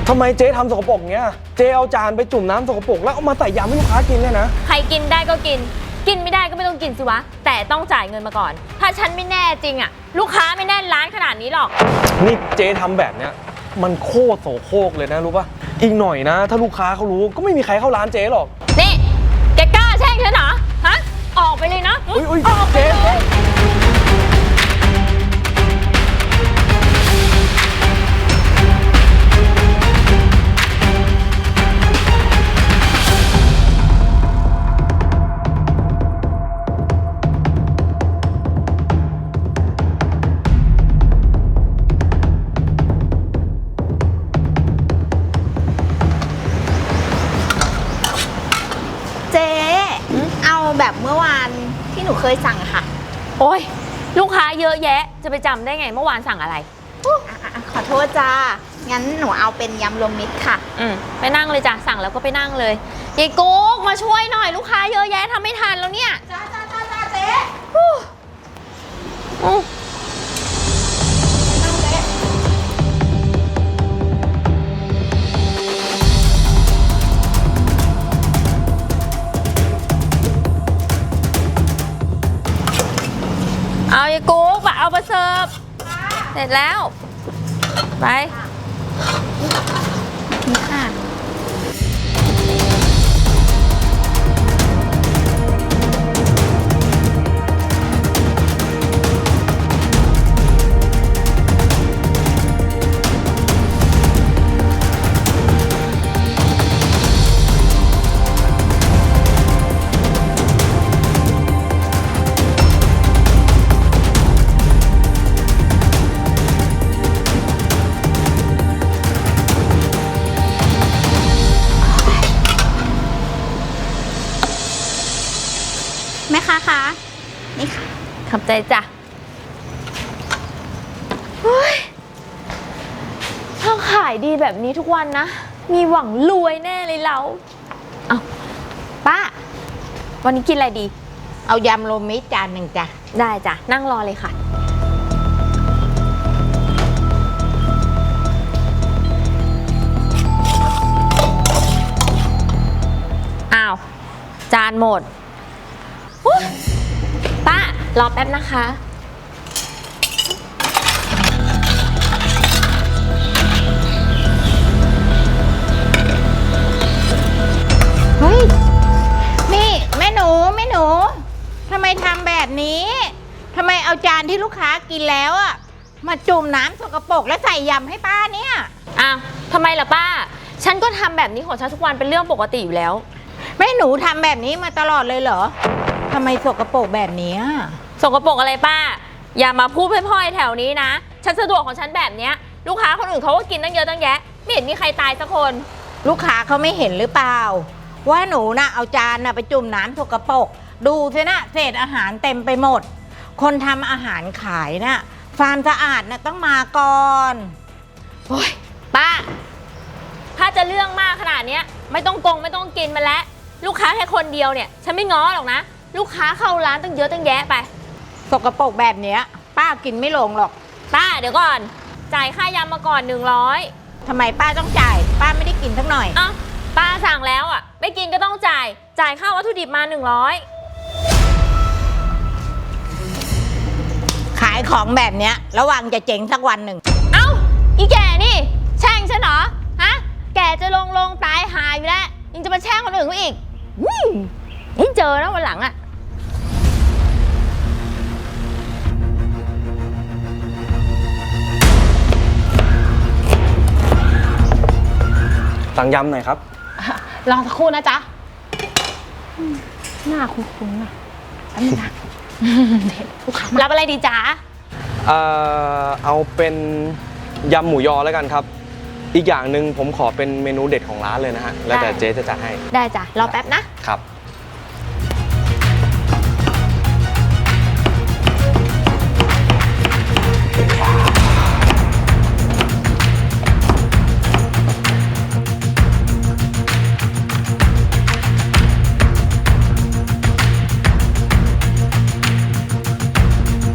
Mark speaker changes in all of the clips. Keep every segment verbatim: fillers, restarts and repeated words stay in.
Speaker 1: ทำไมเจ๊ทำสกปรกเงี้ยเจ๊เอาจานไปจุ่มน้ำสกปรกแล้วเอามาใส่ยำให้ลูกค้ากินเนี่ยนะ
Speaker 2: ใครกินได้ก็กินกินไม่ได้ก็ไม่ต้องกินสิวะแต่ต้องจ่ายเงินมาก่อนถ้าฉันไม่แน่จริงอะลูกค้าไม่แน่นร้านขนาดนี้หรอก
Speaker 1: นี่เจ๊ทำแบบเนี้ยมันโคตรโสโครกเลยนะรู้ป่ะอีกหน่อยนะถ้าลูกค้าเขารู้ก็ไม่มีใครเข้าร้านเจ๊หรอก
Speaker 2: นี่แกกล้าแช่งฉันเหรอฮะออกไปเลยนะออกไปเลย
Speaker 3: แบบเมื่อวานที่หนูเคยสั่งค่ะ
Speaker 2: โอ้ยลูกค้าเยอะแยะจะไปจำได้ไงเมื่อวานสั่งอะไร
Speaker 3: ขอโทษจ้างั้นหนูเอาเป็นยำรวมมิตรค่ะ
Speaker 2: อืมไปนั่งเลยจ้ะสั่งแล้วก็ไปนั่งเลยยายกุ๊กมาช่วยหน่อยลูกค้าเยอะแยะทำไม่ทันแล้วเนี่ย
Speaker 3: จ้าจ้าจ้าจ้าเจ๊
Speaker 2: อู้เอายายกุ๊กเอามาเสิร์ฟเสร็จแล้วไป
Speaker 3: นี่ค่ะแม่ค้าคะนี่ค่ะ
Speaker 2: ขอบใจจ้ะเฮ้ยถ้าขายดีแบบนี้ทุกวันนะมีหวังรวยแน่เลยเราเอาป้าวันนี้กินอะไรดี
Speaker 3: เอายำรวมมิตรจานหนึ่งจ้ะ
Speaker 2: ได้จ้ะนั่งรอเลยค่ะอ้าวจานหมดป้ารอแป๊บนะคะ
Speaker 3: เฮ้ยนี่แม่หนูแม่หนูทำไมทำแบบนี้ทำไมเอาจานที่ลูกค้ากินแล้วอะมาจุ่มน้ำสกปรกแล้วใส่ยำให้ป้าเนี่ย
Speaker 2: อ้าวทำไมล่ะป้าฉันก็ทำแบบนี้ของฉันทุกวันเป็นเรื่องปกติอยู่แล้ว
Speaker 3: แม่หนูทำแบบนี้มาตลอดเลยเหรอทำไมสกปรกแบบนี้
Speaker 2: สกปรกอะไรป้าอย่ามาพูดเพ่อยๆแถวนี้นะฉันสะดวกของฉันแบบเนี้ยลูกค้าคนอื่นเขาก็กินตั้งเยอะตั้งแยะไม่เห็นมีใครตายสักคน
Speaker 3: ลูกค้าเขาไม่เห็นหรือเปล่าว่าหนูน่ะเอาจานน่ะไปจุ่มน้ำสกปรกดูสินะเศษอาหารเต็มไปหมดคนทำอาหารขายน่ะความสะอาดน่ะต้องมาก่อน
Speaker 2: โอ้ยป้าถ้าจะเรื่องมากขนาดนี้ไม่ต้องกงไม่ต้องกินมาแล้วลูกค้าแค่คนเดียวเนี่ยฉันไม่ง้อหรอกนะลูกค้าเข้าร้านตั้งเยอะตั้งแยะไป
Speaker 3: สกปรกแบบเนี้ยป้ากินไม่ลงหรอก
Speaker 2: ป้าเดี๋ยวก่อนจ่ายค่ายำมาก่อนหนึ่งร้อย
Speaker 3: ทำไมป้าต้องจ่ายป้าไม่ได้กินสักหน่อย
Speaker 2: อ้าวป้าสั่งแล้วอ่ะไม่กินก็ต้องจ่ายจ่ายค่าวัตถุดิบมาหนึ่งร้อย
Speaker 3: ขายของแบบเนี้ยระวังจะเจ๊งสักวันหนึ่ง
Speaker 2: เอ้าอีแก่นี่แช่งฉันเหรอฮะแก่จะลงลงตายหายอยู่แล้วยังจะมาแช่งคนอื่นเขาอีกยิ่งเจอนะวันหลังอะ
Speaker 1: สั่งยำหน่อยครับ
Speaker 3: รอสักครู่นะจ๊ะหน้าคุ้นๆนะแป๊บนึงนะลูกค้า
Speaker 2: รับอะไรดีจ๊ะ
Speaker 1: เอ่อเอาเป็นยำหมูยอแล้วกันครับอีกอย่างหนึ่งผมขอเป็นเมนูเด็ดของร้านเลยนะฮะแล้วแต่เจ๊จะจัดให้
Speaker 2: ได้จ้ะรอแป๊บนะครับ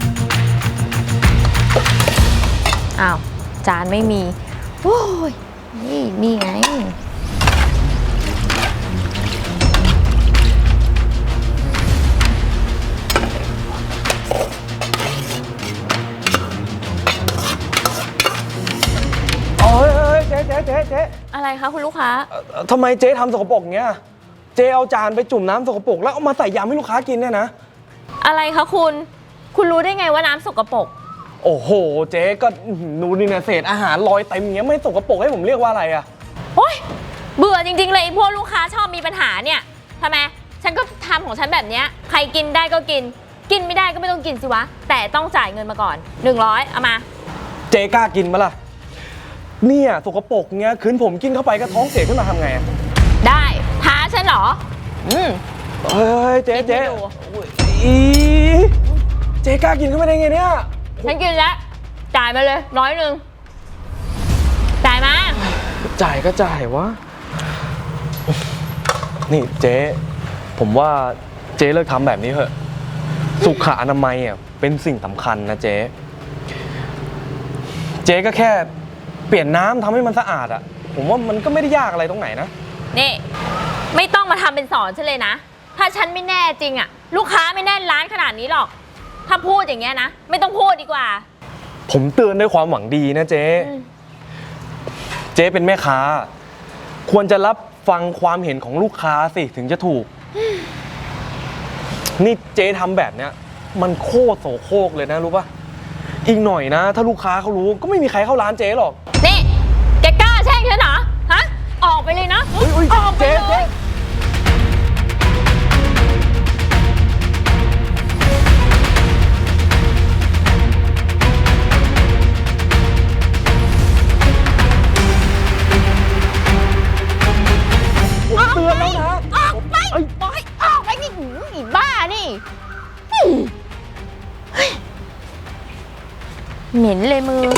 Speaker 2: อ้าวจานไม่มีโอ้ยนี่นี่ไง
Speaker 1: เอ้ยเอ้ยเจ๊เจ๊เจ๊เจ๊
Speaker 2: อะไรคะคุณลูกค้า
Speaker 1: เอ่อทำไมเจ๊ทำสกปรกอย่างเงี้ยเจ๊เอาจานไปจุ่มน้ำสกปรกแล้วเอามาใส่ยำให้ลูกค้ากินเนี่ยนะ
Speaker 2: อะไรคะคุณ คุณรู้ได้ไงว่าน้ำสกปรก
Speaker 1: โอ้โหเจ๊ก็หนูนี่นะเศษอาหารลอยเต็มอย่างเงี้ยไม่สกปรกให้ผมเรียกว่าอะไรอะ
Speaker 2: โอ๊ยเบื่อจริงๆเลยไอ้พวกลูกค้าชอบมีปัญหาเนี่ยทำไมฉันก็ทำของฉันแบบเนี้ยใครกินได้ก็กิน กินไม่ได้ก็ไม่ต้องกินสิวะ แต่ต้องจ่ายเงินมาก่อนหนึ่งร้อยเอามา
Speaker 1: เจ๊กล้ากินมั้ยล่ะเนี่ยสกปรกเงี้ยคืนผมกินเข้าไปก็ท้องเสียขึ้นมาทำไงอะ
Speaker 2: ได้ท้าฉันเหรออืม
Speaker 1: เฮ้ยเจ๊เจ๊
Speaker 2: กินให้ดู
Speaker 1: อีเจ๊กล้ากินเข้าไปได้ไงเนี่ย
Speaker 2: ฉันกินแล้วจ่ายมาเลยร้อยหนึ่งจ่ายมา
Speaker 1: จ่ายก็จ่ายวะนี่เจ๊ผมว่าเจ๊เลิกทำแบบนี้เถอะสุขอนามัยอ่ะเป็นสิ่งสำคัญนะเจ๊เจ๊ก็แค่เปลี่ยนน้ำทำให้มันสะอาดอ่ะผมว่ามันก็ไม่ได้ยากอะไรตรงไหนนะ
Speaker 2: นี่ไม่ต้องมาทำเป็นสอนฉันเลยนะถ้าฉันไม่แน่จริงอะลูกค้าไม่แน่นร้านขนาดนี้หรอกถ้าพูดอย่างเงี้ยนะไม่ต้องพูดดีกว่า
Speaker 1: ผมเตือนด้วยความหวังดีนะเจ๊
Speaker 2: อืม
Speaker 1: เจ๊เป็นแม่ค้า ควรจะรับฟังความเห็นของลูกค้าสิถึงจะถูก นี่เจ๊ทำแบบเนี้ยมันโคตรโสโครกเลยนะรู้ปะอีกหน่อยนะ ถ้าลูกค้าเขารู้ก็ไม่มีใครเข้าร้านเจ๊หรอก
Speaker 2: นี่แกกล้าแช่งฉันเหรอฮะออกไปเลยนะ
Speaker 1: เฮ้ยเฮ้ย
Speaker 2: ออกไป
Speaker 1: เจ๊
Speaker 2: เล
Speaker 1: เจ๊
Speaker 2: ย
Speaker 1: ผมเตือนแล้วนะ
Speaker 2: ออกไป
Speaker 1: เอ้ย
Speaker 2: บอกให้ออกไปนี่หืออีบ้านี่อืมเฮ้ยเหม็นเลยมือ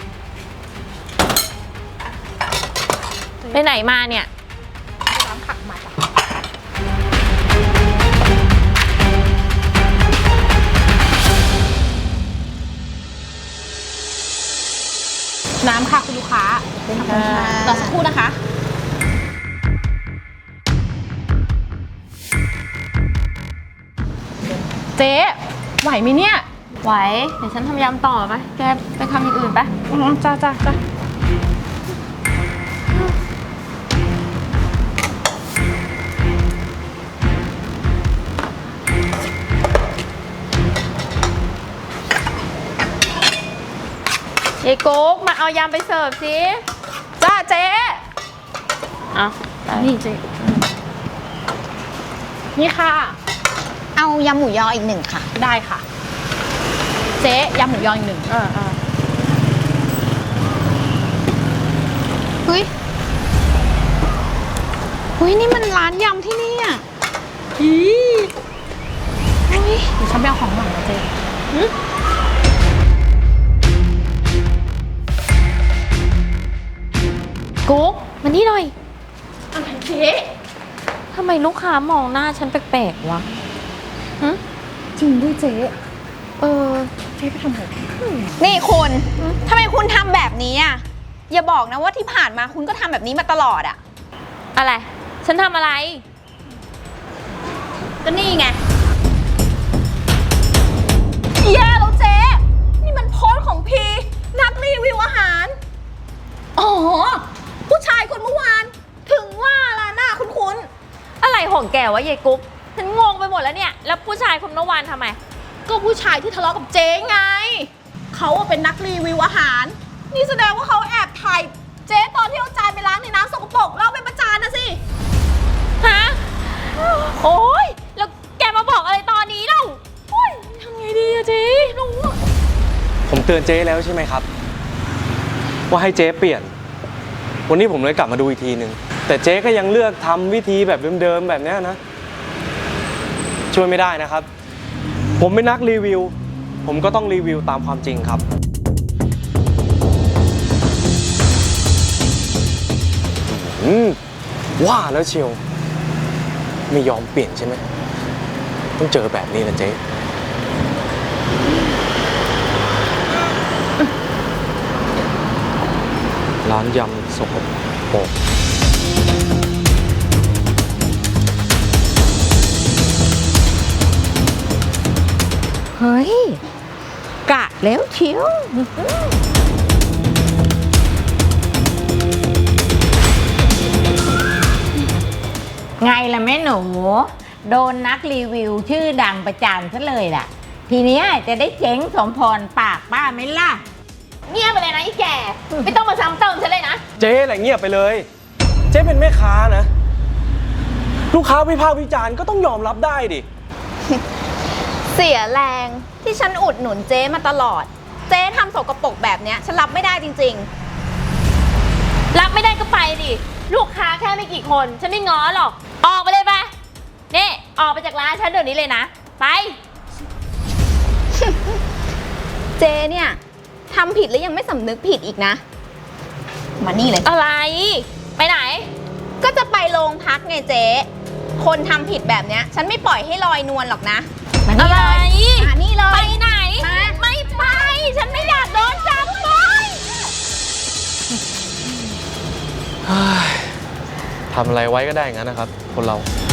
Speaker 2: ไปไหนมาเนี่ย
Speaker 3: น้ำผักมาจ้ะน้ำค่ะคุณลูกค้าเป็นค่ะรอสักครู่นะคะ เจ๊ไหวไหมเนี่ย
Speaker 2: ไหว เดี๋ยวฉันทำยำต่อไป แกไปทำอย่างอื่นไป
Speaker 3: อ๋อจ้าจ้าจ้า
Speaker 2: ยายกุ๊กมาเอายำไปเสิร์ฟสิ
Speaker 3: จ้าเจ๊
Speaker 2: เอาไป
Speaker 3: นี่เจ๊นี่ค่ะ
Speaker 4: เอายำหมูยออีกหนึ่งค่ะ
Speaker 3: ได้ค่ะ เจ๊ยำหมูยออีกหนึ่ง
Speaker 2: เออเออ
Speaker 4: เฮ้ยเฮ้ย นี่มันร้านยำที่นี่อ่ะ
Speaker 3: อี
Speaker 4: เฮ้ย
Speaker 3: เดี๋ยวฉันไปเอาของหลังนะเจ๊
Speaker 2: กุ๊กมานี่หน่อย
Speaker 3: อะไรเจ๊
Speaker 2: ทำไมลูกค้ามองหน้าฉันแปลกๆวะฮะ
Speaker 3: จริงด้วยเจ๊
Speaker 2: เออ
Speaker 3: เจ๊ไปทำอะไร
Speaker 4: นี่คุณทำไมคุณทำแบบนี้อ่ะ อย่าบอกนะว่าที่ผ่านมาคุณก็ทำแบบนี้มาตลอดอ่ะ
Speaker 2: อะไร ฉันทำอะไร
Speaker 4: ก็นี่ไงแย่แล้วเจ๊ นี่มันโพสต์ของพีนักรีวิวอาหาร อ๋อ ผู้ชายคนเมื่อวาน ถึงว่าล่ะหน้าคุ้น
Speaker 2: อะไรของแกวะยายกุ๊ก ฉันงงไปหมดแล้วเนี่ย แล้วผู้ชายคนเมื่อวานทำไม
Speaker 4: ๆก็ผู้ชายที่ทะเลาะกับเจ๊ไง เขาอะเป็นนักรีวิวอาหาร นี่แสดงว่าเขาแอบถ่ายเจ๊ตอนที่เอาจานไปล้างในน้ำสกปรกแล้วเอาไปประจานนะสิ
Speaker 2: ฮะ โอ๊ย แล้วแกมาบอกอะไรตอนนี้เล่าโอ๊ยทำไงดีอะเจ๊รู้อะ
Speaker 1: ผมเตือนเจ๊แล้วใช่ไหมครับ ว่าให้เจ๊เปลี่ยน วันนี้ผมเลยกลับมาดูอีกทีหนึ่งแต่เจ๊ก็ยังเลือกทำวิธีแบบเดิมๆแบบเนี้ยนะ ช่วยไม่ได้นะครับ ผมเป็นนักรีวิว ผมก็ต้องรีวิวตามความจริงครับ อืมว่าแล้วเชียว ไม่ยอมเปลี่ยนใช่ไหมต้องเจอแบบนี้แหละเจ๊ร้านยำสกปรก
Speaker 3: เฮ้ย กะแล้วเชียว ไงล่ะแม่หนู โดนนักรีวิวชื่อดังประจานซะเลยล่ะ ทีเนี้ยจะได้เจ๊งสมพรปากป้าไหมล่ะ
Speaker 2: เงียบไปเลยนะไอ้แก่ ไม่ต้องมาซ้ำเติมฉันเลยนะ
Speaker 1: เจ๊อะไรเงียบไปเลย เจ๊เป็นแม่ค้านะ ลูกค้าวิพากษ์วิจารณ์ก็ต้องยอมรับได้ดิ
Speaker 4: เสียแรงที่ฉันอุดหนุนเจ๊มาตลอด เจ๊ทำสกปรกแบบเนี้ยฉันรับไม่ได้จริง
Speaker 2: รับไม่ได้ก็ไปดิ ลูกค้าแค่ไม่กี่คน ฉันไม่ง้อหรอก ออกไปเลยไปนี่ออกไปจากร้านฉันเดี๋ยวนี้เลยนะ ไป
Speaker 4: ๆ เจ๊เนี่ยทำผิดแล้วยังไม่สำนึกผิดอีกนะ มานี่เลย
Speaker 2: อะไร ไปไหน
Speaker 4: ก็จะไปโรงพักไงเจ๊ คนทำผิดแบบเนี้ย ฉันไม่ปล่อยให้ลอยนวลหรอกนะ
Speaker 3: มา
Speaker 2: อะ
Speaker 3: นี่
Speaker 2: ไร
Speaker 3: เลยมานี่เลย
Speaker 2: ไปไหน
Speaker 3: มา
Speaker 2: ไม่ไป ฉันไม่อยากโดนจับไป
Speaker 1: ทำอะไรไว้ก็ได้อย่างนั้นนะครับ คนเรา